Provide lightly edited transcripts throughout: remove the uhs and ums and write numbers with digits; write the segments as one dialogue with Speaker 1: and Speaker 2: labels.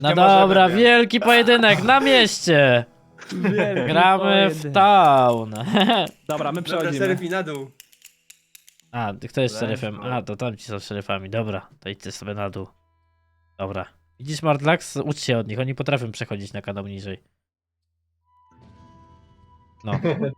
Speaker 1: No
Speaker 2: Nie
Speaker 1: dobra,
Speaker 2: możemy, nie.
Speaker 1: wielki pojedynek na mieście. Gramy w town.
Speaker 3: Dobra, my
Speaker 4: Dobra,
Speaker 3: przechodzimy.
Speaker 4: szeryf i na dół.
Speaker 1: A, kto jest
Speaker 2: Let's
Speaker 1: szeryfem?
Speaker 2: go.
Speaker 1: A, to tamci są szeryfami. Dobra, to idźcie sobie na dół. Dobra. Widzisz, Mardlax? Ucz się od nich, oni potrafią przechodzić na kanał niżej. No.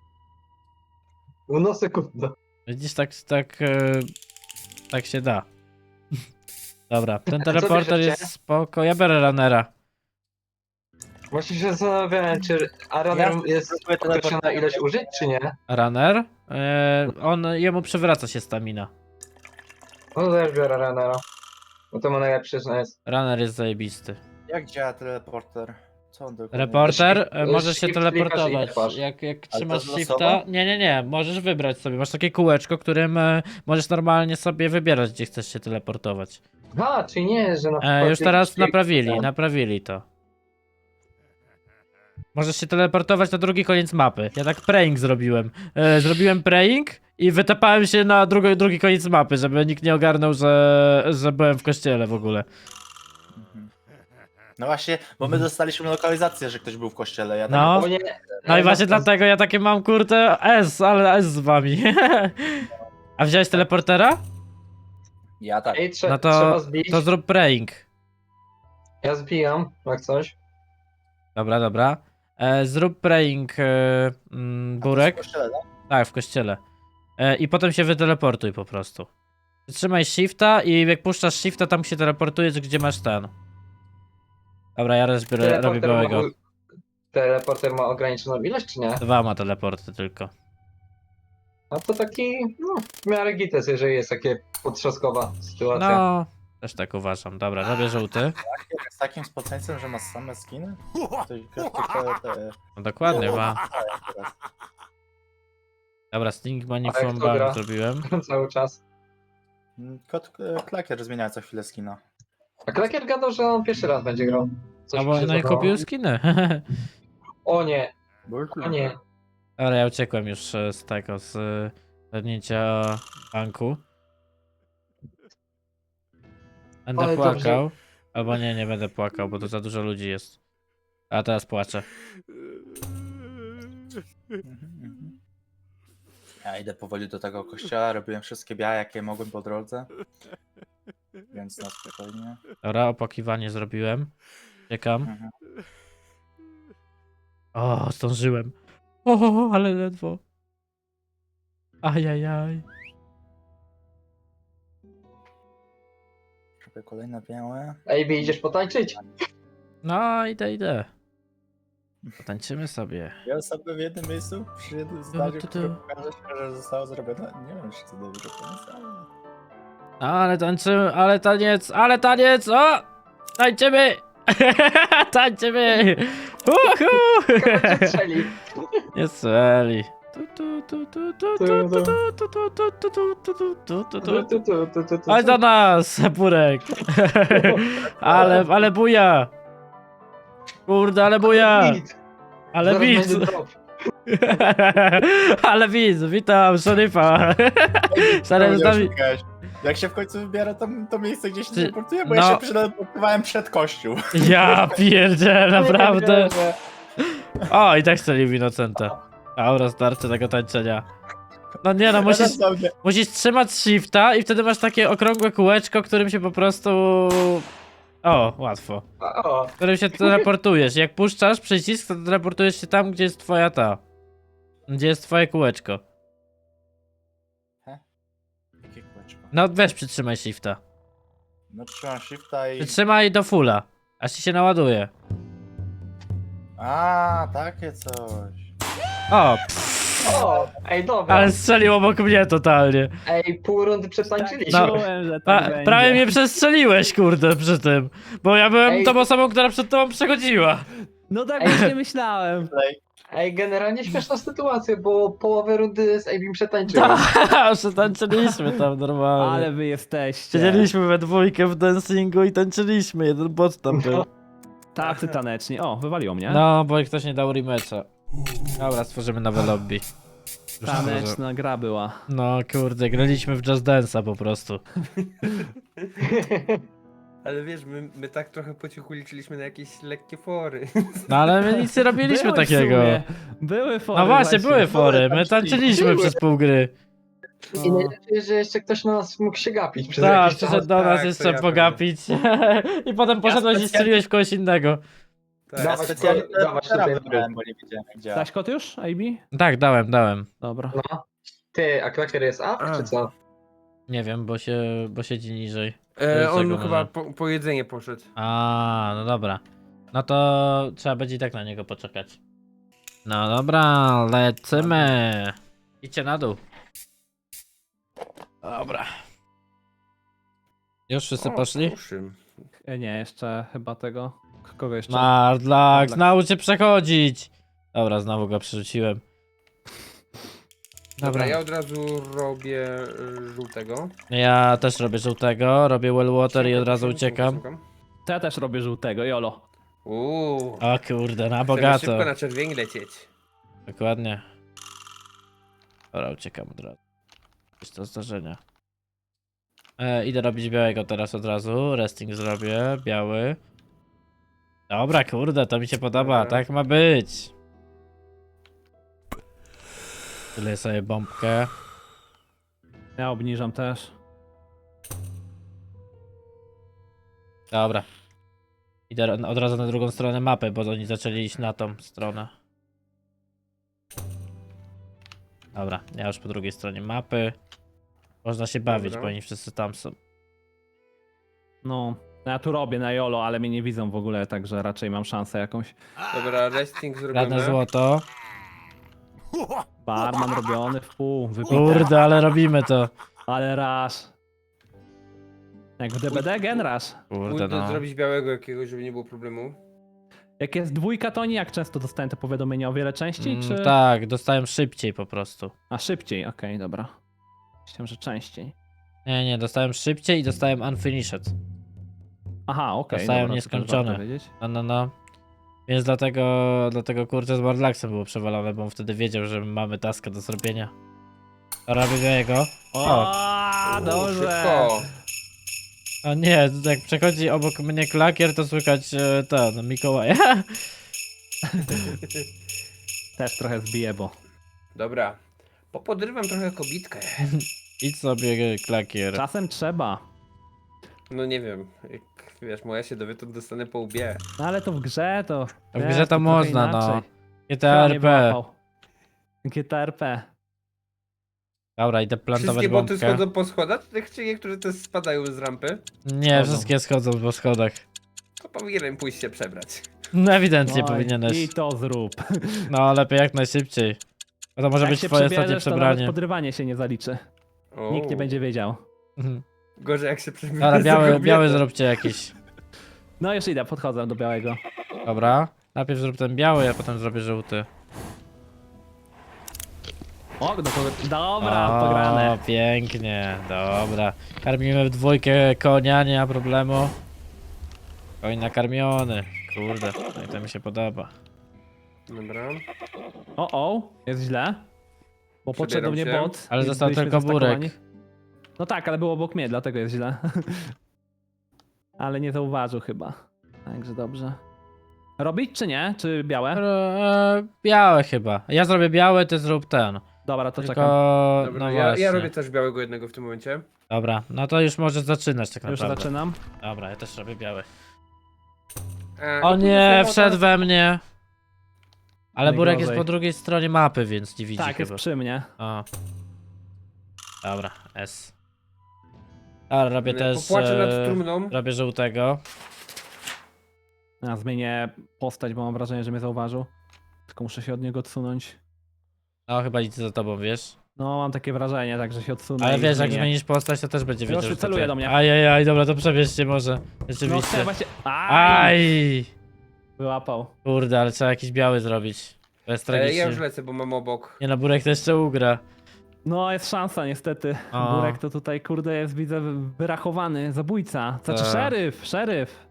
Speaker 5: No sekunda.
Speaker 1: Widzisz, tak się da. Dobra, ten
Speaker 5: co
Speaker 1: teleporter
Speaker 5: bierzecie?
Speaker 1: jest spoko. Ja biorę runnera.
Speaker 5: Właśnie się zastanawiałem, czy Aroner jest określona ilość użyć, czy nie?
Speaker 1: Runner? Jemu przywraca się stamina.
Speaker 5: No to też biorę Aronera. Bo to ma najlepszy jest.
Speaker 1: Runner jest zajebisty.
Speaker 2: Jak działa teleporter? Co on dokładnie?
Speaker 1: Reporter,
Speaker 5: Shift-
Speaker 1: możesz się
Speaker 5: shift klikasz i
Speaker 1: teleportować.
Speaker 5: lepasz.
Speaker 1: Jak
Speaker 2: Ale
Speaker 1: trzymasz
Speaker 2: to
Speaker 1: shifta.
Speaker 2: losowo?
Speaker 1: Nie, możesz wybrać sobie. Masz takie kółeczko, którym możesz normalnie sobie wybierać, gdzie chcesz się teleportować.
Speaker 5: A, czyli nie, że na przykład...
Speaker 1: Już teraz
Speaker 5: jakiś-
Speaker 1: naprawili to. Możesz się teleportować na drugi koniec mapy. Ja tak praying zrobiłem. Zrobiłem praying i wytapałem się na drugi koniec mapy, żeby nikt nie ogarnął, że byłem w kościele w ogóle.
Speaker 2: Mhm. No właśnie, bo my dostaliśmy lokalizację, że ktoś był w kościele. Ja
Speaker 1: No.
Speaker 5: O nie.
Speaker 1: No i właśnie dlatego ja takie mam kurde ale S z wami. A wziąłeś teleportera?
Speaker 2: Ja tak.
Speaker 5: Ej,
Speaker 1: No
Speaker 5: trzeba zbić.
Speaker 1: to zrób praying.
Speaker 5: Ja zbijam, jak coś.
Speaker 1: Dobra. Zrób praying Burek.
Speaker 2: W kościele, tak?
Speaker 1: Tak, w kościele. I potem się wyteleportuj po prostu. Trzymaj shifta i jak puszczasz shifta, tam się teleportujesz, gdzie masz ten. Dobra, ja raz robię
Speaker 5: Teleporter
Speaker 1: białego.
Speaker 5: Teleporter ma ograniczoną ilość, czy nie?
Speaker 1: 2 ma teleporty tylko.
Speaker 5: No to taki, no, w miarę gites, jeżeli jest takie potrzaskowa sytuacja.
Speaker 1: No, też tak uważam. Dobra, robię żółty.
Speaker 2: Z takim spoceńcem, że ma same skiny?
Speaker 1: No dokładnie, ma.
Speaker 2: teraz.
Speaker 1: Dobra, Sting Money
Speaker 5: A jak
Speaker 1: from
Speaker 5: to gra?
Speaker 1: Bank zrobiłem.
Speaker 5: Cały czas.
Speaker 2: Klakier zmienia co chwilę skina.
Speaker 5: A Klakier gadał, że on pierwszy raz będzie grał. Coś
Speaker 1: No
Speaker 5: mi
Speaker 1: bo
Speaker 5: się
Speaker 1: no i
Speaker 5: zdawało.
Speaker 1: kupił skiny.
Speaker 5: O nie, o nie.
Speaker 1: Dobra, ja uciekłem już z tego, z zagnięcia banku. Będę
Speaker 5: Ale
Speaker 1: płakał.
Speaker 5: dobrze.
Speaker 1: Albo nie będę płakał, bo to za dużo ludzi jest. A teraz płaczę.
Speaker 2: Ja idę powoli do tego kościoła, robiłem wszystkie białe, jakie mogłem po drodze. Więc na spokojnie.
Speaker 1: Dobra, opakiwanie zrobiłem. Czekam.
Speaker 2: Mhm.
Speaker 1: O, zdążyłem. O, ale ledwo. Ajajaj.
Speaker 2: Robię kolejne białe.
Speaker 5: Ej, idziesz potańczyć?
Speaker 1: No, idę. Potańczymy sobie.
Speaker 2: Ja sobie w jednym miejscu, przy jednym zdaniu, które pokaże się, że zostało zrobione. Nie wiem, czy to dobrze pomysł.
Speaker 1: Ale tańczymy, ale taniec, o! Tańczymy! Tańczymy! Uhu!
Speaker 5: Cię strzeli.
Speaker 1: Nie strzeli. Chodź do nas, Burek. Ale buja. Kurde, ale buja.
Speaker 5: Bit.
Speaker 1: Ale
Speaker 5: Zaraz
Speaker 1: widz.
Speaker 5: będzie drop.
Speaker 1: Ale widz, witam, szeryfa. Szeryf z nami.
Speaker 2: Jak się w końcu wybiera to miejsce, gdzie się
Speaker 1: Ty-
Speaker 2: teleportuje, bo
Speaker 1: no.
Speaker 2: ja się przeteleportowałem przed kościół.
Speaker 1: Ja pierdzielę, naprawdę.
Speaker 5: Nie wierzę.
Speaker 1: O, i tak strzelił Innocenta. Aura starczy tego tańczenia. No nie no, musisz trzymać shifta i wtedy masz takie okrągłe kółeczko, którym się po prostu... O, łatwo.
Speaker 5: O,
Speaker 1: Którym się teleportujesz. Jak puszczasz przycisk, to teleportujesz się tam, gdzie jest twoja Gdzie jest twoje kółeczko.
Speaker 2: Jakie kółeczko?
Speaker 1: No weź przytrzymaj shifta.
Speaker 2: No trzymam shifta i...
Speaker 1: Przytrzymaj do fulla. Aż ci się naładuje.
Speaker 2: A, takie coś.
Speaker 1: O,
Speaker 5: o, ej, dobra.
Speaker 1: ale strzelił obok mnie totalnie.
Speaker 5: Ej, pół rundy przetańczyliśmy.
Speaker 1: No.
Speaker 3: Czułem, że tak będzie.
Speaker 1: Prawie mnie przestrzeliłeś, kurde, przy tym. Bo ja byłem
Speaker 5: Ej.
Speaker 1: tą osobą, która przed tobą przechodziła.
Speaker 3: No tak
Speaker 5: Ej.
Speaker 3: właśnie myślałem.
Speaker 5: Ej, generalnie śmieszna sytuacja, bo połowę rundy z Abim przetańczyłem.
Speaker 1: Tak, przetańczyliśmy tam normalnie.
Speaker 3: Ale wy jesteście.
Speaker 1: Siedzieliśmy we dwójkę w dancingu i tańczyliśmy, jeden bot tam był.
Speaker 3: Tacy taneczni. O, wywaliło mnie.
Speaker 1: No, bo ktoś nie dał rematcha. Dobra, stworzymy nowe lobby. Już może-
Speaker 3: Taneczna gra była.
Speaker 1: No kurde, graliśmy w Just Dance'a po prostu.
Speaker 4: Ale wiesz, my tak trochę po cichu liczyliśmy na jakieś lekkie fory.
Speaker 1: No ale my nic nie robiliśmy
Speaker 3: Były w
Speaker 1: takiego.
Speaker 3: sumie. Były fory
Speaker 1: No właśnie, były fory, my tańczyliśmy przez pół gry.
Speaker 5: I najlepiej, że jeszcze ktoś na nas mógł się gapić przez
Speaker 1: Tak,
Speaker 5: jakiś czas.
Speaker 1: przyszedł do nas
Speaker 4: tak,
Speaker 1: jeszcze
Speaker 4: to ja
Speaker 1: pogapić. I potem poszedłeś i strzeliłeś w kogoś innego.
Speaker 4: Tak.
Speaker 2: Ja
Speaker 5: Dawać
Speaker 2: specjalnie
Speaker 5: kody, dawać tutaj
Speaker 2: teraz
Speaker 5: dobry.
Speaker 2: wybrałem, bo nie wiedziałem jak działa.
Speaker 3: Dałeś kod już, AB?
Speaker 1: Tak, dałem.
Speaker 3: Dobra.
Speaker 5: No. Ty, a klakier jest up,
Speaker 4: A.
Speaker 5: czy co?
Speaker 1: Nie wiem, bo siedzi niżej.
Speaker 4: On
Speaker 1: Czego
Speaker 4: chyba
Speaker 1: może?
Speaker 4: po jedzenie poszedł.
Speaker 1: A, no dobra. No to trzeba będzie i tak na niego poczekać. No dobra, lecimy. Idźcie na dół. Dobra. Już wszyscy poszli?
Speaker 4: Proszę.
Speaker 3: Nie, jeszcze chyba tego. Kogo jeszcze?
Speaker 1: Mardlax,
Speaker 3: Mardlax.
Speaker 1: naucz się przechodzić. Dobra, znowu go przerzuciłem.
Speaker 4: Dobra, ja od razu robię żółtego.
Speaker 1: Ja też robię żółtego, robię well water i od razu uciekam.
Speaker 3: To ja też robię żółtego, jolo.
Speaker 4: Uuu.
Speaker 1: O kurde, na
Speaker 4: Chcemy
Speaker 1: bogato.
Speaker 4: szybko na czerwień lecieć.
Speaker 1: Dokładnie. Dobra, uciekam od razu. Jest to zdarzenia. Idę robić białego teraz od razu. Resting zrobię, biały. Dobra, kurde, to mi się podoba,
Speaker 4: Dobra.
Speaker 1: tak ma być. Tyle sobie bombkę.
Speaker 3: Ja obniżam też.
Speaker 1: Dobra. Idę od razu na drugą stronę mapy, bo oni zaczęli iść na tą stronę. Dobra, ja już po drugiej stronie mapy. Można się bawić,
Speaker 4: Dobra.
Speaker 1: bo oni wszyscy tam są.
Speaker 3: No, ja tu robię na jolo, ale mnie nie widzą w ogóle, także raczej mam szansę jakąś.
Speaker 4: Dobra, resting
Speaker 1: Żadne
Speaker 4: zrobimy.
Speaker 1: złoto.
Speaker 3: Barman robiony w pół, wypite.
Speaker 1: Kurde, ale robimy to.
Speaker 3: Ale raz. Jak w DBD, gen raz.
Speaker 1: Kurde,
Speaker 4: Pójdę
Speaker 1: no.
Speaker 4: zrobić białego jakiegoś, żeby nie było problemu.
Speaker 3: Jak jest dwójka, to nie jak często dostałem te powiadomienia, o wiele częściej, czy...
Speaker 1: Tak, dostałem szybciej po prostu.
Speaker 3: A szybciej, okej, dobra. Myślałem, że częściej.
Speaker 1: Nie, dostałem szybciej i dostałem unfinished.
Speaker 3: Aha, okej.
Speaker 1: Dostałem
Speaker 3: dobra, to też
Speaker 1: nieskończone.
Speaker 3: warto wiedzieć.
Speaker 1: No. Więc dlatego kurczę z Mardlaxem było przewalone, bo on wtedy wiedział, że mamy taskę do zrobienia. Robię jego. O!
Speaker 3: Dobrze.
Speaker 4: Szybko.
Speaker 1: O nie, jak przechodzi obok mnie klakier, to słychać ten Mikołaja.
Speaker 3: Też trochę zbiję, bo...
Speaker 4: Dobra. Popodrywam trochę kobitkę.
Speaker 1: Idź sobie klakier.
Speaker 3: Czasem trzeba.
Speaker 4: No nie wiem, jak wiesz, moja się dowie, to dostanę po łbie.
Speaker 3: No ale to w grze to...
Speaker 1: W grze to
Speaker 3: trochę
Speaker 1: można, no.
Speaker 3: inaczej.
Speaker 1: GTA
Speaker 3: Kto nie
Speaker 1: RP.
Speaker 3: wyłapał? GTA RP.
Speaker 1: Dobra, idę plantować
Speaker 4: Wszystkie boty
Speaker 1: bombkę.
Speaker 4: schodzą po schodach, czy niektóre też spadają z rampy?
Speaker 1: Nie,
Speaker 3: Schodzą.
Speaker 1: wszystkie schodzą po schodach.
Speaker 4: To powinienem pójść się przebrać.
Speaker 1: No ewidentnie
Speaker 3: Oj,
Speaker 1: powinieneś.
Speaker 3: I to zrób.
Speaker 1: No lepiej jak najszybciej. A to może
Speaker 3: Jak
Speaker 1: być
Speaker 3: się
Speaker 1: twoje ostatnie
Speaker 3: przebierzesz, to nawet
Speaker 1: przebranie.
Speaker 3: podrywanie się nie zaliczy.
Speaker 4: O,
Speaker 3: Nikt nie będzie wiedział.
Speaker 1: Mhm.
Speaker 4: Gorzej jak się przebierze
Speaker 1: Dobra,
Speaker 4: za
Speaker 1: biały
Speaker 4: kobietę.
Speaker 1: zróbcie jakiś.
Speaker 3: No już idę, podchodzę do białego.
Speaker 1: Dobra. Najpierw zrób ten biały, a potem zrobię żółty.
Speaker 3: O, dobra, pograne.
Speaker 1: Pięknie, dobra. Karmimy w dwójkę konia, nie ma problemu. Koń nakarmiony. Kurde, no i to mi się podoba.
Speaker 4: Dobra.
Speaker 3: O, jest źle. Bo podszedł do mnie
Speaker 4: Przebieram się.
Speaker 3: bot.
Speaker 1: Ale
Speaker 3: i
Speaker 1: został
Speaker 3: byliśmy
Speaker 1: tylko
Speaker 3: zastakowani.
Speaker 1: burek.
Speaker 3: No tak, ale był obok mnie, dlatego jest źle. Ale nie zauważył chyba. Także dobrze. Robić czy nie? Czy białe?
Speaker 1: Białe chyba. Ja zrobię biały, ty zrób ten.
Speaker 3: Dobra, to
Speaker 1: Tylko,
Speaker 3: czekam.
Speaker 4: Dobra,
Speaker 1: no
Speaker 4: ja
Speaker 1: właśnie.
Speaker 4: robię też białego jednego w tym momencie.
Speaker 1: Dobra, no to już możesz zaczynać tak
Speaker 3: Już
Speaker 1: naprawdę.
Speaker 3: zaczynam.
Speaker 1: Dobra, ja też robię biały.
Speaker 4: O
Speaker 1: O nie, wszedł we mnie. Ale Burek jest
Speaker 3: Najgorzej.
Speaker 1: po drugiej stronie mapy, więc nie widzi
Speaker 3: Tak, jest
Speaker 1: chyba.
Speaker 3: przy mnie.
Speaker 1: O. Dobra, S. Dobra, robię też.
Speaker 4: Popłaczę nad trumną.
Speaker 1: Robię żółtego.
Speaker 3: Ja zmienię postać, bo mam wrażenie, że mnie zauważył. Tylko muszę się od niego odsunąć.
Speaker 1: No chyba idzie za tobą, wiesz?
Speaker 3: No, mam takie wrażenie, także się odsunę.
Speaker 1: Ale
Speaker 3: i
Speaker 1: wiesz, jak
Speaker 3: zmienię.
Speaker 1: zmienisz postać, to też będzie
Speaker 3: Już
Speaker 1: wiedział, że to
Speaker 3: celuje
Speaker 1: ty.
Speaker 3: do mnie.
Speaker 1: Ajajaj, dobra, to przebierzcie może.
Speaker 3: No,
Speaker 1: Rzeczywiście.
Speaker 3: chcę właśnie... Aj!
Speaker 1: Aj!
Speaker 3: Wyłapał.
Speaker 1: Kurde, ale trzeba jakiś biały zrobić. To jest tragicznie.
Speaker 4: Ja już lecę, bo mam obok.
Speaker 1: Nie no, Burek to jeszcze ugra.
Speaker 3: No, jest szansa niestety.
Speaker 1: O.
Speaker 3: Burek to tutaj, kurde, jest, widzę, wyrachowany. Zabójca. Znaczy,
Speaker 1: Tak.
Speaker 3: szeryf.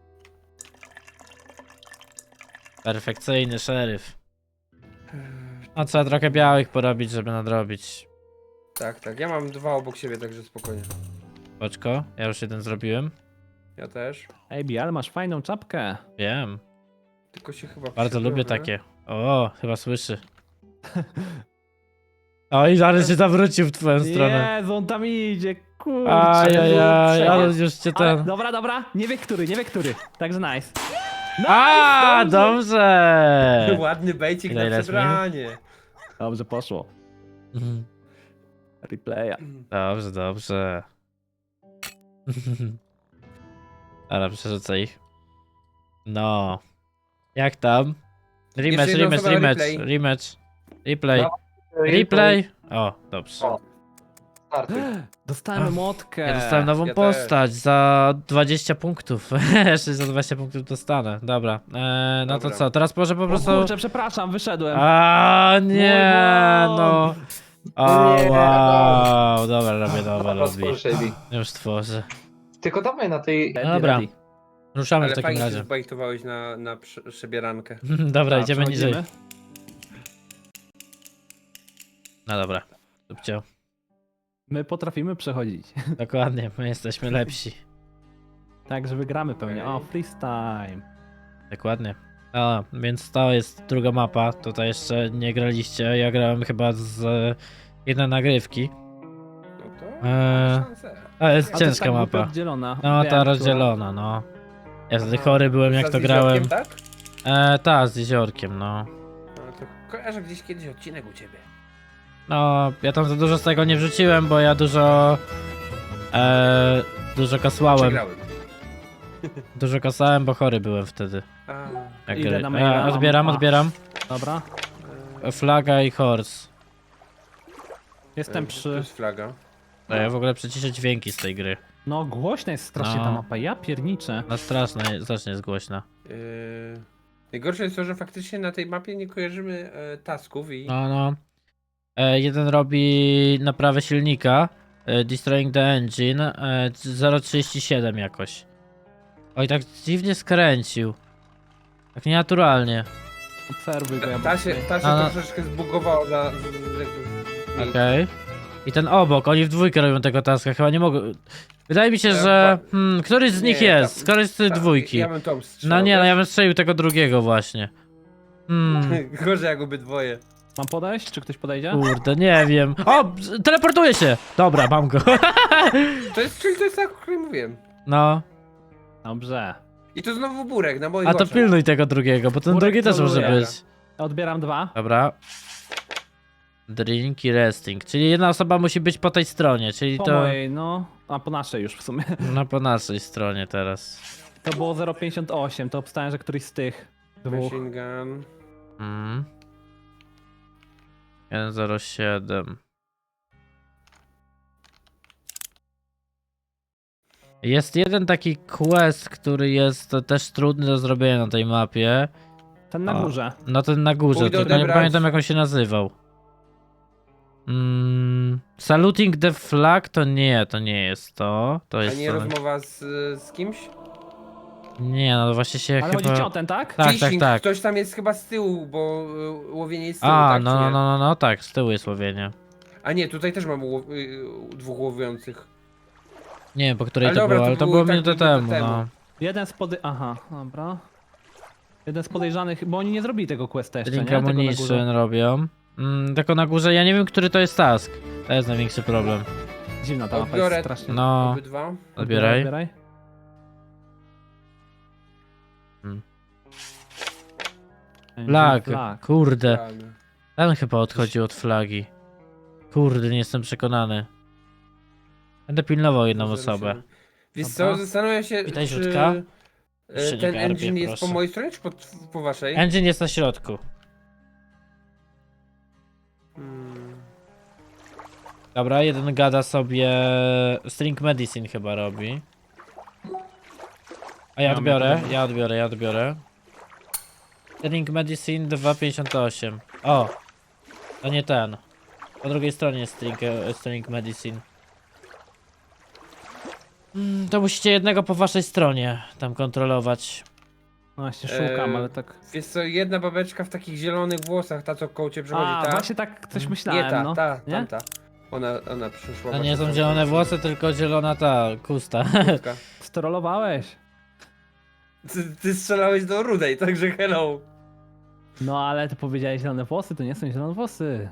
Speaker 1: Perfekcyjny szeryf. No trzeba trochę białych porobić, żeby nadrobić.
Speaker 4: Tak, ja mam dwa obok siebie, także spokojnie.
Speaker 1: Boczko, ja już jeden zrobiłem.
Speaker 4: Ja też.
Speaker 3: Ej, ale masz fajną czapkę.
Speaker 1: Wiem.
Speaker 4: Tylko się chyba
Speaker 1: Bardzo lubię
Speaker 4: przebiorę.
Speaker 1: takie. O, chyba słyszy. Oj, zaraz się zawrócił w twoją stronę.
Speaker 3: Jezu, on tam idzie, kurczę.
Speaker 1: Ajajaj,
Speaker 3: kurczę.
Speaker 1: ale już cię
Speaker 3: Ale,
Speaker 1: ten...
Speaker 3: dobra, nie wie który. Także nice.
Speaker 1: A, dobrze!
Speaker 4: Ładny bejcik
Speaker 1: Ile
Speaker 4: na
Speaker 1: jest
Speaker 4: przebranie.
Speaker 3: Dobrze poszło.
Speaker 1: Mhm.
Speaker 3: Replaya.
Speaker 1: Dobrze, dobrze. Dobra, przerzucę ich. No. Jak tam? Rematch,
Speaker 4: Jeszcze jedna
Speaker 1: rematch,
Speaker 4: osoba,
Speaker 1: rematch,
Speaker 4: replay.
Speaker 1: rematch. Replay.
Speaker 5: No.
Speaker 1: Replay. O, dobrze.
Speaker 5: O. Startuj.
Speaker 3: Dostałem młotkę.
Speaker 1: Ja dostałem nową
Speaker 4: ja
Speaker 1: postać za 20 punktów. Jeszcze za 20 punktów dostanę. Dobra. No to
Speaker 4: Dobra.
Speaker 1: co? Teraz może po
Speaker 3: O
Speaker 1: prostu...
Speaker 3: kurczę, przepraszam, wyszedłem.
Speaker 1: A nie,
Speaker 3: Mój
Speaker 1: no.
Speaker 3: błąd.
Speaker 1: O,
Speaker 5: Nie,
Speaker 1: wow. Dobra, robię nowe lobby.
Speaker 5: Rozpór Shady.
Speaker 1: Już tworzę.
Speaker 5: Tylko dawaj na tej...
Speaker 3: Ready,
Speaker 1: Dobra.
Speaker 3: ready.
Speaker 1: Ruszamy w
Speaker 4: Ale
Speaker 1: takim
Speaker 4: fajnie się
Speaker 1: razie.
Speaker 4: zbajtowałeś na przebierankę.
Speaker 1: Dobra,
Speaker 3: Tak,
Speaker 1: idziemy niżej.
Speaker 3: przechodzimy.
Speaker 1: No dobra. Subcio.
Speaker 3: My potrafimy przechodzić.
Speaker 1: Dokładnie, my jesteśmy lepsi.
Speaker 3: Także wygramy pewnie. O, freestyle.
Speaker 1: Dokładnie. A, więc to jest druga mapa. Tutaj jeszcze nie graliście. Ja grałem chyba z jednej nagrywki.
Speaker 4: No to szansę.
Speaker 1: To jest
Speaker 3: A to
Speaker 1: ciężka
Speaker 3: tak
Speaker 1: mapa.
Speaker 3: rozdzielona.
Speaker 1: No,
Speaker 3: Wiem,
Speaker 1: ta
Speaker 3: która.
Speaker 1: rozdzielona, no. Ja wtedy
Speaker 4: Aha.
Speaker 1: chory byłem jak
Speaker 4: Za
Speaker 1: to
Speaker 4: z
Speaker 1: grałem.
Speaker 4: jeziorkiem, tak?
Speaker 1: Ta, z jeziorkiem, no.
Speaker 4: No to kojarzę gdzieś kiedyś odcinek u ciebie.
Speaker 1: No, ja tam za dużo z tego nie wrzuciłem, bo ja dużo kasłałem.
Speaker 4: Przegrałem.
Speaker 1: Dużo kasałem, bo chory byłem wtedy.
Speaker 4: A,
Speaker 1: Jak
Speaker 3: Idę
Speaker 1: gry.
Speaker 3: na maila,
Speaker 1: Odbieram,
Speaker 3: mam-
Speaker 1: odbieram.
Speaker 3: Dobra.
Speaker 1: Flaga i horse.
Speaker 3: Jestem
Speaker 4: to
Speaker 3: przy...
Speaker 4: jest flaga.
Speaker 1: To ja w ogóle przeciszę dźwięki z tej gry.
Speaker 3: No, głośna jest strasznie
Speaker 1: No.
Speaker 3: ta mapa. Ja pierniczę.
Speaker 1: No strasznie jest głośna.
Speaker 4: Najgorsze jest to, że faktycznie na tej mapie nie kojarzymy tasków i...
Speaker 1: No. Jeden robi naprawę silnika. Destroying the engine. 0,37 jakoś. Oj, tak dziwnie skręcił. Tak nienaturalnie.
Speaker 3: Obserwuj go, ja
Speaker 4: Ta się
Speaker 1: No.
Speaker 4: troszeczkę zbugowała
Speaker 1: Okej. I ten obok, oni w dwójkę robią tego taska, chyba nie mogą... Wydaje mi się, że... któryś z nich
Speaker 4: Nie,
Speaker 1: jest, któryś z tej dwójki.
Speaker 4: Ja bym tą strzelał.
Speaker 1: No nie, no ja bym strzelił tego drugiego właśnie.
Speaker 4: Gorzej jak obydwoje.
Speaker 3: Mam podejść? Czy ktoś podejdzie?
Speaker 1: Kurde, nie wiem. O, teleportuje się! Dobra, mam go.
Speaker 4: Czyli to jest tak, o którym mówiłem.
Speaker 1: No,
Speaker 3: Dobrze.
Speaker 4: I to znowu burek na moich
Speaker 1: a to
Speaker 4: oczach.
Speaker 1: pilnuj tego drugiego, bo ten
Speaker 3: Burek
Speaker 1: drugi też może
Speaker 3: troluje.
Speaker 1: być.
Speaker 3: Odbieram 2.
Speaker 1: Dobra. Drink i resting, czyli jedna osoba musi być po tej stronie, czyli
Speaker 3: Po
Speaker 1: to...
Speaker 3: mojej, no. A po naszej już w sumie.
Speaker 1: No po naszej stronie teraz.
Speaker 3: To było 0,58. To obstałem, że któryś z tych dwóch.
Speaker 4: Machine gun.
Speaker 1: 107. Jest jeden taki quest, który jest też trudny do zrobienia na tej mapie.
Speaker 3: Ten na
Speaker 1: O.
Speaker 3: górze.
Speaker 1: No ten na górze,
Speaker 4: Pójdę
Speaker 1: tylko nie
Speaker 4: odebrać.
Speaker 1: pamiętam jak on się nazywał. Saluting the flag to nie jest to. To
Speaker 4: A
Speaker 1: jest
Speaker 4: nie
Speaker 1: to.
Speaker 4: rozmowa z kimś?
Speaker 1: Nie, no właśnie się
Speaker 3: Ale chodzi ci
Speaker 1: chyba...
Speaker 3: o ten, tak?
Speaker 1: Tak,
Speaker 4: Fishing.
Speaker 1: tak.
Speaker 4: Ktoś tam jest chyba z tyłu, bo łowienie jest z tyłu,
Speaker 1: A,
Speaker 4: tak, czy nie?
Speaker 1: no, tak, z tyłu jest łowienie.
Speaker 4: A nie, tutaj też mam dwóch łowiących.
Speaker 1: Nie wiem po której
Speaker 4: Ale
Speaker 1: to
Speaker 4: dobra,
Speaker 1: było,
Speaker 4: to
Speaker 1: ale to
Speaker 4: było
Speaker 1: było
Speaker 4: tak
Speaker 1: minutę
Speaker 4: minutę
Speaker 1: temu,
Speaker 4: temu.
Speaker 1: no.
Speaker 3: Jeden z Aha, dobra. Jeden z podejrzanych, bo oni nie zrobili tego questa jeszcze,
Speaker 1: Link
Speaker 3: nie? Tego na
Speaker 1: Ammunition
Speaker 3: górze.
Speaker 1: robią. Tylko na górze, ja nie wiem, który to jest task. To jest największy problem.
Speaker 3: Dziwna ta mapa jest
Speaker 4: Odbiorę.
Speaker 3: strasznie.
Speaker 1: No,
Speaker 4: Obydwa.
Speaker 1: odbieraj. Flag, kurde.
Speaker 4: Flag.
Speaker 1: Ten chyba odchodził od flagi. Kurde, nie jestem przekonany. Będę pilnował jedną osobę.
Speaker 4: Wiesz
Speaker 3: Dobra.
Speaker 4: co, zastanawiam się,
Speaker 1: Witaj,
Speaker 4: czy
Speaker 1: Rzutka. Jeszcze nie
Speaker 4: ten
Speaker 1: garbie,
Speaker 4: engine jest po
Speaker 1: proszę.
Speaker 4: mojej stronie, czy po waszej?
Speaker 1: Engine jest na środku.
Speaker 4: Hmm.
Speaker 1: Dobra, jeden gada sobie... String Medicine chyba robi. A ja odbiorę. String Medicine 2,58. O! To nie ten. Po drugiej stronie jest String Medicine. To musicie jednego po waszej stronie tam kontrolować.
Speaker 3: No właśnie szukam,
Speaker 4: Eee,
Speaker 3: ale tak...
Speaker 4: Wiesz co, jedna babeczka w takich zielonych włosach, ta co koło ciebie przechodzi,
Speaker 3: A,
Speaker 4: ta?
Speaker 3: właśnie tak coś myślałem,
Speaker 4: Nie ta,
Speaker 3: no.
Speaker 4: ta,
Speaker 3: Nie?
Speaker 4: tamta. Ona przyszła.
Speaker 1: To nie
Speaker 4: właśnie
Speaker 1: są
Speaker 4: tam-
Speaker 1: zielone włosy, tylko zielona ta kusta.
Speaker 4: Kurtka.
Speaker 3: Strollowałeś.
Speaker 4: Ty strzelałeś do rudej, także hello.
Speaker 3: No ale ty powiedziałeś zielone włosy, to nie są zielone włosy.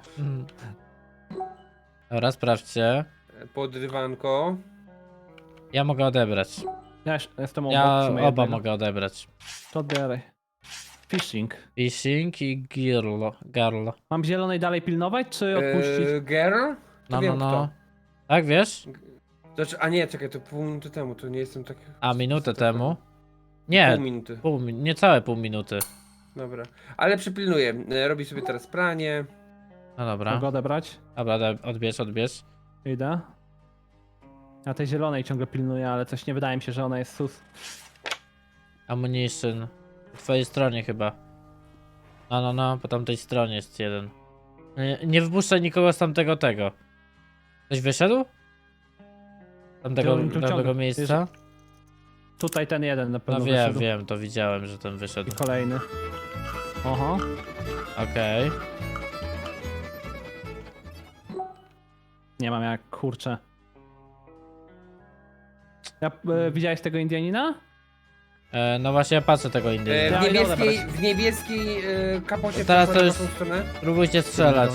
Speaker 1: Dobra, sprawdźcie.
Speaker 4: Podrywanko.
Speaker 1: Ja mogę odebrać.
Speaker 3: Ja jestem obok.
Speaker 1: Ja
Speaker 3: w sumie
Speaker 1: oba
Speaker 3: jednego.
Speaker 1: mogę odebrać.
Speaker 3: To odbieraj. Fishing.
Speaker 1: Fishing i Girl.
Speaker 3: Mam zielonej dalej pilnować, czy odpuścić?
Speaker 4: Girl? To
Speaker 1: No,
Speaker 4: wiem
Speaker 1: no,
Speaker 4: kto.
Speaker 1: no. Tak, wiesz?
Speaker 4: Znaczy, a nie, czekaj, to pół minuty temu, to nie jestem tak...
Speaker 1: A minutę
Speaker 4: tak-
Speaker 1: temu? Nie,
Speaker 4: Pół minuty,
Speaker 1: niecałe pół minuty.
Speaker 4: dobra. Ale przypilnuję, robi sobie teraz pranie.
Speaker 1: No dobra.
Speaker 3: Mogę odebrać?
Speaker 1: Dobra, odbierz.
Speaker 3: Idę. Ja tej zielonej ciągle pilnuję, ale coś nie wydaje mi się, że ona jest sus.
Speaker 1: Ammunition. Po twojej stronie chyba. No, po tamtej stronie jest jeden. Nie wpuszczaj nikogo z tamtego tego. Ktoś wyszedł? Tamtego
Speaker 3: ciągle.
Speaker 1: miejsca?
Speaker 3: Tutaj ten jeden na pewno
Speaker 1: No
Speaker 3: wyszedł.
Speaker 1: wiem, to widziałem, że ten wyszedł.
Speaker 3: I kolejny. Oho.
Speaker 1: Okej.
Speaker 3: Nie mam jak, kurczę. Widziałeś tego Indianina?
Speaker 1: No właśnie ja patrzę tego Indyjczyka.
Speaker 4: W niebieskiej kapocie
Speaker 1: Teraz to
Speaker 4: przeszła
Speaker 1: już-
Speaker 4: na tą stronę.
Speaker 1: Próbujcie strzelać.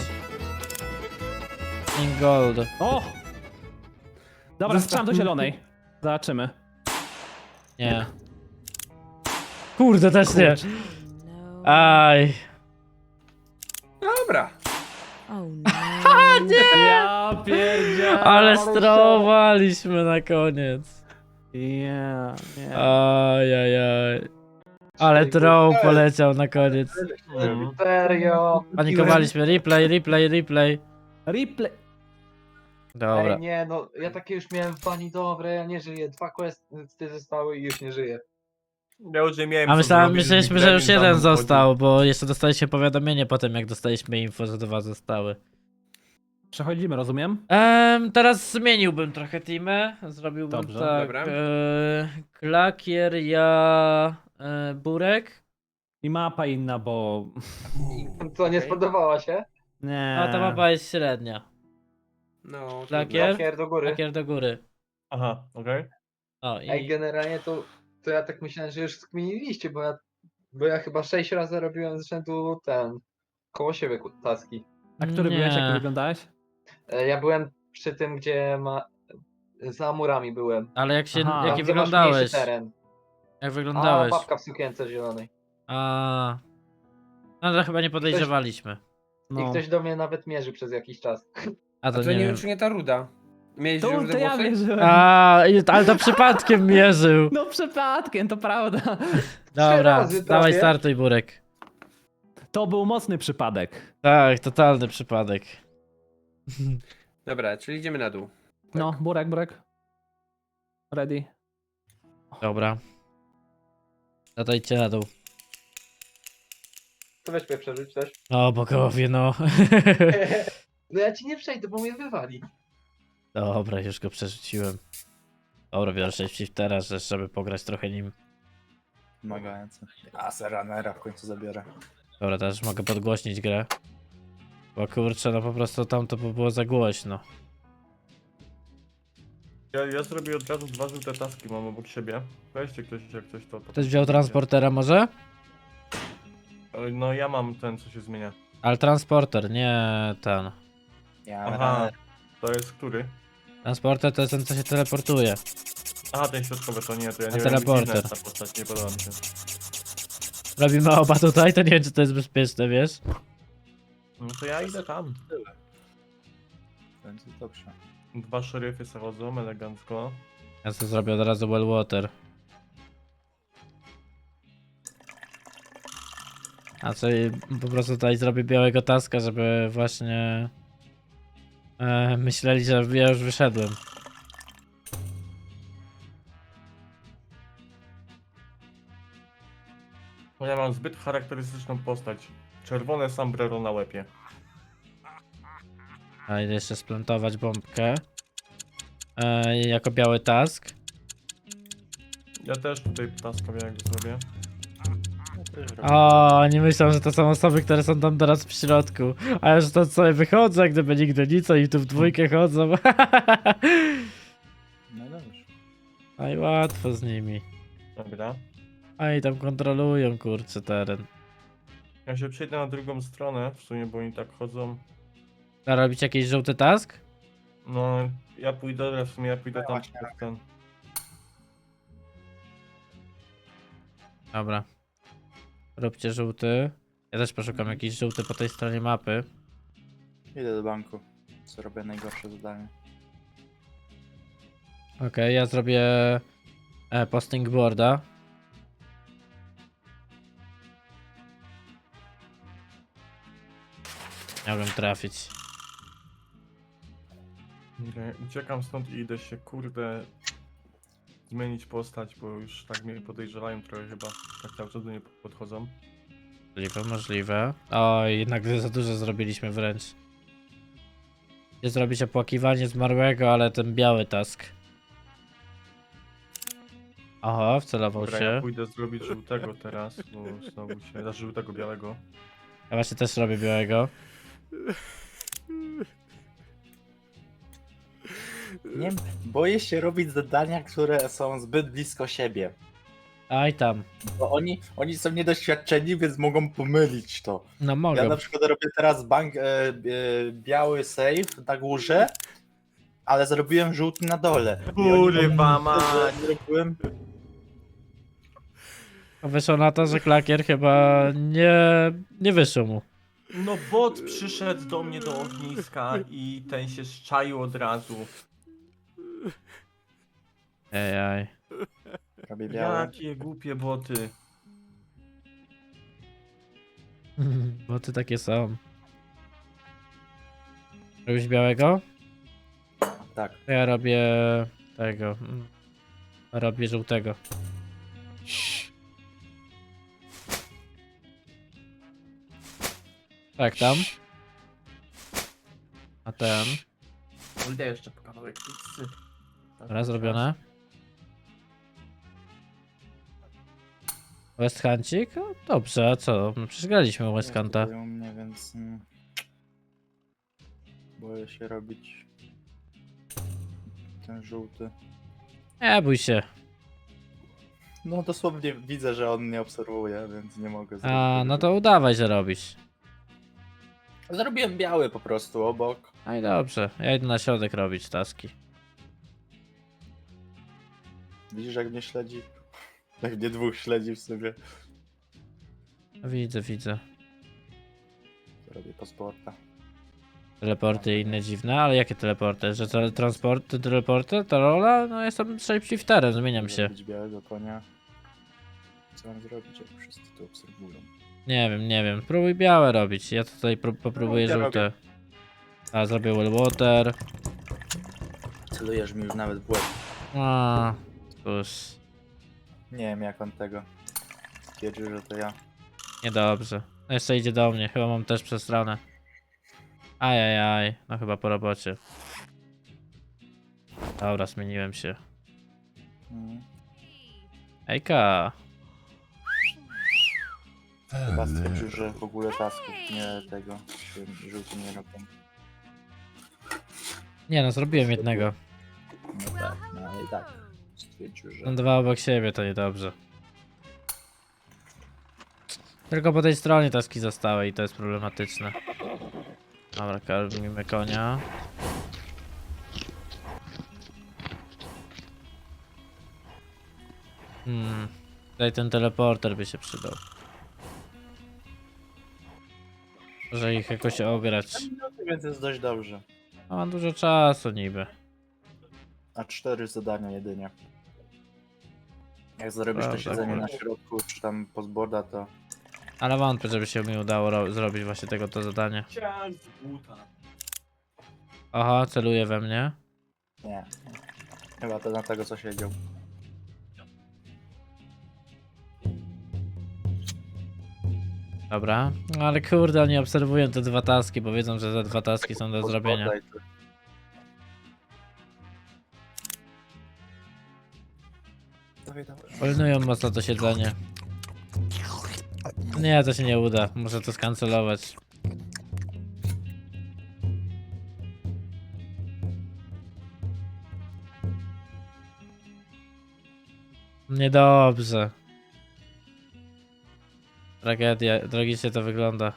Speaker 1: In gold.
Speaker 3: O! Dobra, strzelam do zielonej. Zobaczymy.
Speaker 1: Nie. Kurde, też nie.
Speaker 6: No.
Speaker 1: Aj.
Speaker 4: Dobra.
Speaker 6: Oh no.
Speaker 3: Ja pierdzielę.
Speaker 1: Ale strowaliśmy na koniec.
Speaker 3: Ja, nie.
Speaker 1: Ajajaj. Ale troll poleciał na koniec.
Speaker 5: Serio.
Speaker 1: Panikowaliśmy. Replay.
Speaker 3: Replay.
Speaker 1: Dobra.
Speaker 5: Ej, nie, no ja takie już miałem w bani dobre, ja nie żyję. 2 questy zostały i już nie żyję.
Speaker 7: Ja już nie miałem
Speaker 1: A
Speaker 7: co zrobić,
Speaker 1: myśleliśmy, że już
Speaker 7: Gremlin
Speaker 1: jeden
Speaker 7: tam wchodzi.
Speaker 1: został, bo jeszcze dostaliście powiadomienie po tym, jak dostaliśmy info, że 2 zostały.
Speaker 3: Przechodzimy, rozumiem?
Speaker 1: Teraz zmieniłbym trochę teamy. Zrobiłbym
Speaker 3: Dobrze.
Speaker 1: tak.
Speaker 4: Dobra.
Speaker 1: Klakier, ja, Burek.
Speaker 3: I mapa inna, bo...
Speaker 5: Co, nie spodobała się?
Speaker 3: Nie.
Speaker 1: A ta mapa jest średnia.
Speaker 4: No,
Speaker 1: Lakier?
Speaker 5: Lakier do góry.
Speaker 1: Klakier do góry.
Speaker 7: Aha, okej.
Speaker 1: O
Speaker 5: Ej,
Speaker 1: i.
Speaker 5: generalnie to ja tak myślałem, że już skminiliście, bo ja chyba 6 razy robiłem z rzędu koło siebie taski.
Speaker 3: A który byłeś, jak
Speaker 1: Nie.
Speaker 3: wyglądałeś?
Speaker 5: Ja byłem przy tym, gdzie za murami byłem.
Speaker 1: Ale jak się.
Speaker 3: Aha.
Speaker 1: Jaki
Speaker 5: Tam, gdzie masz
Speaker 1: wyglądałeś?
Speaker 5: mniejszy teren.
Speaker 1: Jak
Speaker 5: A,
Speaker 1: wyglądałeś?
Speaker 5: babka w sukience zielonej.
Speaker 1: A. No to chyba nie podejrzewaliśmy.
Speaker 5: I ktoś do mnie nawet mierzy przez jakiś czas.
Speaker 1: A
Speaker 4: A
Speaker 1: to
Speaker 4: to
Speaker 1: nie
Speaker 4: nie
Speaker 1: wiem.
Speaker 4: wiem, czy nie ta ruda. Miałeś
Speaker 3: To
Speaker 4: rude
Speaker 3: ja
Speaker 4: włosy?
Speaker 3: wierzyłem.
Speaker 1: Ale to przypadkiem mierzył.
Speaker 3: No przypadkiem, to prawda.
Speaker 1: Dobra,
Speaker 5: razy
Speaker 1: dawaj
Speaker 5: prawie.
Speaker 1: startuj Burek.
Speaker 3: To był mocny przypadek.
Speaker 1: Tak, totalny przypadek.
Speaker 4: Dobra, czyli idziemy na dół.
Speaker 3: No, burek. Ready.
Speaker 1: Dobra. No to idźcie na dół.
Speaker 5: To weź mnie przerzuć też.
Speaker 1: O bogowie, no.
Speaker 5: No ja ci nie przejdę, bo mnie wywali.
Speaker 1: Dobra, już go przerzuciłem. Dobra, biorę 6 teraz, żeby pograć trochę nim.
Speaker 2: Wymagający. A, Seranera w końcu zabiorę.
Speaker 1: Dobra, teraz mogę podgłośnić grę. Bo kurczę, no po prostu tam to by było za głośno.
Speaker 7: Ja zrobię od razu 2 żółte taski, mam obok siebie. Weźcie ktoś, jak coś to...
Speaker 1: Ktoś wziął transportera może?
Speaker 7: No ja mam ten, co się zmienia.
Speaker 1: Ale transporter, nie ten.
Speaker 2: Ja
Speaker 7: Aha,
Speaker 2: runner.
Speaker 7: to jest który?
Speaker 1: Transporter to jest ten, co się teleportuje.
Speaker 7: Aha, ten środkowy to nie, to ja
Speaker 1: A
Speaker 7: nie wiem,
Speaker 1: teleporter.
Speaker 7: ta postać, nie podoba mi się.
Speaker 1: Robimy oba tutaj, to nie wiem, czy to jest bezpieczne, wiesz?
Speaker 7: No to ja idę tam.
Speaker 2: Będzie dobrze.
Speaker 7: 2 szeryfy zachodzą, elegancko.
Speaker 1: Ja sobie zrobię od razu well water. A czyli po prostu tutaj zrobię białego taska, żeby właśnie myśleli, że ja już wyszedłem.
Speaker 7: No ja mam zbyt charakterystyczną postać. Czerwone sombrero na łepie.
Speaker 1: A idę jeszcze splantować bombkę. Jako biały task.
Speaker 7: Ja też tutaj taska białego zrobię.
Speaker 1: O, oni myślą, że to są osoby, które są tam teraz w środku. A ja już to sobie wychodzę, gdyby nigdy nic, oni tu w dwójkę chodzą.
Speaker 2: No dobrze.
Speaker 1: No i łatwo z nimi.
Speaker 7: Dobra.
Speaker 1: Oni tam kontrolują, kurczę, teren.
Speaker 7: Ja się przejdę na drugą stronę, w sumie, bo oni tak chodzą.
Speaker 1: A robić jakiś żółty task?
Speaker 7: No, ja pójdę, w sumie ja pójdę tam
Speaker 2: właśnie.
Speaker 7: przez ten.
Speaker 1: Dobra. Róbcie żółty. Ja też poszukam jakiś żółty po tej stronie mapy.
Speaker 2: Idę do banku. Co robię najgorsze zadanie.
Speaker 1: Okej, ja zrobię posting boarda. Miałbym trafić.
Speaker 7: Okej, uciekam stąd i idę się, kurde, zmienić postać, bo już tak mnie podejrzewają trochę chyba. Tak cały czas do mnie podchodzą.
Speaker 1: Możliwe, możliwe. Oj, jednak za dużo zrobiliśmy wręcz. Chcę zrobić opłakiwanie zmarłego, ale ten biały task. Oho, wcelował
Speaker 7: Dobra, ja
Speaker 1: się.
Speaker 7: pójdę zrobić żółtego teraz, bo znowu się... Znaczy żółtego, białego.
Speaker 1: Ja właśnie też robię białego.
Speaker 2: Nie wiem, boję się robić zadania, które są zbyt blisko siebie.
Speaker 1: Aj tam.
Speaker 2: Bo oni są niedoświadczeni, więc mogą pomylić to.
Speaker 1: No
Speaker 2: Ja
Speaker 1: mogę.
Speaker 2: na przykład robię teraz biały save na górze, ale zrobiłem żółty na dole. I oni
Speaker 7: Kurwa
Speaker 2: pomyślą, że zrobiłem.
Speaker 1: Wyszło na to, że klakier chyba nie wyszło mu.
Speaker 7: No bot przyszedł do mnie do ogniska i ten się szczaił od razu.
Speaker 1: Ejaj.
Speaker 2: Robię białe.
Speaker 7: Jakie głupie boty.
Speaker 1: Bo ty takie są. Robisz białego?
Speaker 2: Tak.
Speaker 1: To ja robię tego. Robię żółtego. Tak, tam. A ten.
Speaker 7: Idę jeszcze po kawałek pizzy.
Speaker 1: Dobra, zrobione. West Huncik? O, dobrze, a co? No przecież graliśmy West Hunta.
Speaker 2: Jest tutaj u mnie, więc boję się robić ten żółty.
Speaker 1: Nie bój się.
Speaker 2: No dosłownie widzę, że on mnie obserwuje, więc nie mogę zrobić.
Speaker 1: A,
Speaker 2: tego
Speaker 1: no to udawaj, że robisz.
Speaker 2: żółtego. Zrobiłem biały po prostu obok.
Speaker 1: No i dobrze, ja idę na środek robić taski.
Speaker 2: Widzisz, jak mnie śledzi? Jak mnie dwóch śledzi w sobie.
Speaker 1: Widzę, widzę.
Speaker 2: Robię pasporta.
Speaker 1: Teleporty i inne dziwne, ale jakie teleporty? Że transporty, teleporty, to rola? No jestem shapeshifterem, zmieniam się.
Speaker 2: Zrobić białego konia. Co mam zrobić, jak wszyscy to obserwują?
Speaker 1: Nie wiem. Próbuj białe robić. Ja tutaj popróbuję
Speaker 2: No, ja
Speaker 1: żółte. A, zrobię Wellwater.
Speaker 2: Celujesz mi już nawet w łeb.
Speaker 1: A, cóż.
Speaker 2: Nie wiem, jak on tego stwierdził, że to ja.
Speaker 1: Niedobrze. No jeszcze idzie do mnie, chyba mam też przesranę. Ajajaj, no chyba po robocie. Dobra, zmieniłem się. Ejka.
Speaker 2: Chyba stwierdził, że w ogóle tasków nie tego żółty nie robią.
Speaker 1: Nie no, zrobiłem jednego.
Speaker 2: No tak, no ale i tak. Stwierdził, że...
Speaker 1: Są dwa obok siebie, to niedobrze. Tylko po tej stronie taski zostały i to jest problematyczne. Dobra, karmimy konia. Tutaj ten teleporter by się przydał. Może ich jakoś ograć.
Speaker 2: Więc jest dość dobrze.
Speaker 1: A mam dużo czasu niby.
Speaker 2: A 4 zadania jedynie. Jak zrobisz to
Speaker 1: Prawda,
Speaker 2: siedzenie na
Speaker 1: kurczę.
Speaker 2: środku, czy tam postboarda, to...
Speaker 1: Ale wątpię, żeby się mi udało zrobić właśnie tego to zadanie.
Speaker 7: Chciałem z buta.
Speaker 1: Aha, celuje we mnie.
Speaker 2: Nie. Chyba to na tego, co siedział.
Speaker 1: Dobra. No ale kurde, oni obserwują te dwa taski, bo wiedzą, że te dwa taski są do zrobienia.
Speaker 2: Postboarda i to- Dawaj, dawaj.
Speaker 1: Pilnują mocno to siedzenie. Nie, to się nie uda. Muszę to skancelować. Niedobrze. Tragedia, tragicznie to wygląda.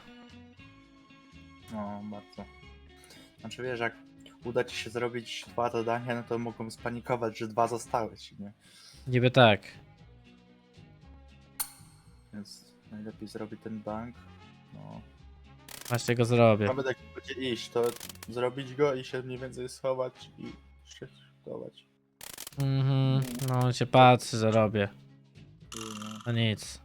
Speaker 2: No, bardzo. Znaczy wiesz, jak uda ci się zrobić 2 zadania, no to mogą spanikować, że 2 zostały ci, nie?
Speaker 1: Niby tak.
Speaker 2: Więc najlepiej zrobić ten bank. No.
Speaker 1: Właśnie go zrobię.
Speaker 2: Mamy tak będzie iść, to zrobić go i się mniej więcej schować i shiftować.
Speaker 1: Mhm. No on się patrzy, że robię. No nic.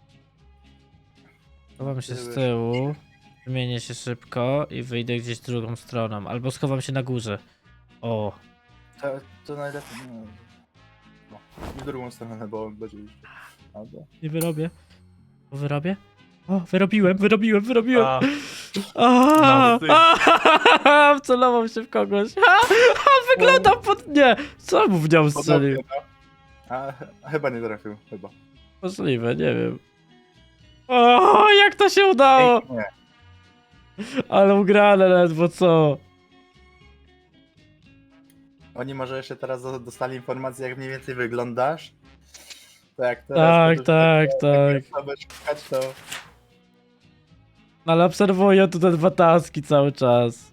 Speaker 1: Schowam się z tyłu. Wymienię się szybko i wyjdę gdzieś drugą stroną. Albo schowam się na górze. O.
Speaker 2: To najlepiej. No, w drugą stronę, bo on będzie iść. Albo.
Speaker 1: Nie wyrobię. O, wyrobię? O, wyrobiłem.
Speaker 7: A,
Speaker 1: A,
Speaker 7: no,
Speaker 1: wcelował się w kogoś. Wyglądam pod... Nie! Co mu w nią strzelił?
Speaker 2: Podobnie, no. A chyba nie trafił, chyba.
Speaker 1: Możliwe, nie wiem. O, jak to się udało!
Speaker 2: Pięknie.
Speaker 1: Ale ugrane ledwo, co?
Speaker 2: Oni może jeszcze teraz dostali informację, jak mniej więcej wyglądasz. To jak teraz
Speaker 1: Tak.
Speaker 2: Aby szukać, to
Speaker 1: Ale obserwuję tu te 2 taski cały czas.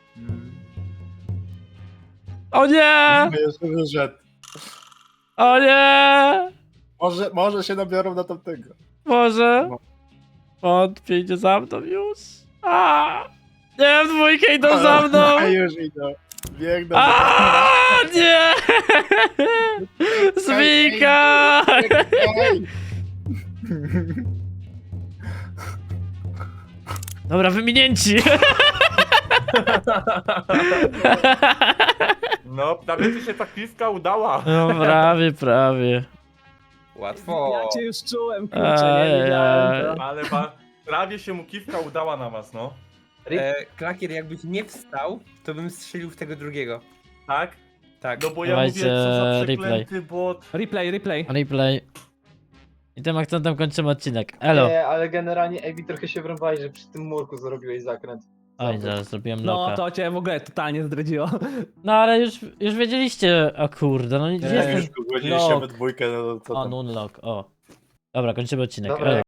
Speaker 1: O nie!
Speaker 2: jeszcze wyszedł.
Speaker 1: O nie!
Speaker 2: Może się nabiorą na tamtego.
Speaker 1: Może?
Speaker 2: No.
Speaker 1: Wątpię, idzie za mną już. A! Nie, w dwójkę idą za mną!
Speaker 2: A już idą. Biegną.
Speaker 1: A! Nie! Zwika!
Speaker 2: Ej!
Speaker 1: Dobra, wyminięci!
Speaker 7: no, prawie ci się ta kiska udała.
Speaker 1: No prawie.
Speaker 4: Łatwo.
Speaker 3: Ja cię już czułem, kurczę, nie wiedziałem to.
Speaker 7: Ale prawie się mu kiwka udała na was, no.
Speaker 4: Klakier, jakbyś nie wstał, to bym strzelił w tego drugiego.
Speaker 7: Tak?
Speaker 4: Tak.
Speaker 7: No bo ja
Speaker 1: Dawajcie
Speaker 7: mówię, co za
Speaker 1: replay.
Speaker 7: przeklęty bot.
Speaker 3: Replay.
Speaker 1: Replay. I tym akcentem kończymy odcinek. Elo.
Speaker 5: Nie, ale generalnie Ebi trochę się wrąbałeś, że przy tym murku zrobiłeś zakręt.
Speaker 1: Oj, zaraz zrobiłem
Speaker 3: No
Speaker 1: loka.
Speaker 3: to cię w ogóle totalnie zdradziło.
Speaker 1: No ale już wiedzieliście, o kurde, no
Speaker 2: Jak
Speaker 1: jestem...
Speaker 2: już go zgodziliście
Speaker 1: Lock.
Speaker 2: we dwójkę, no to co
Speaker 1: O,
Speaker 2: tam.
Speaker 1: nunlock, o. Dobra, kończymy odcinek.
Speaker 5: Dobra,
Speaker 1: Elo.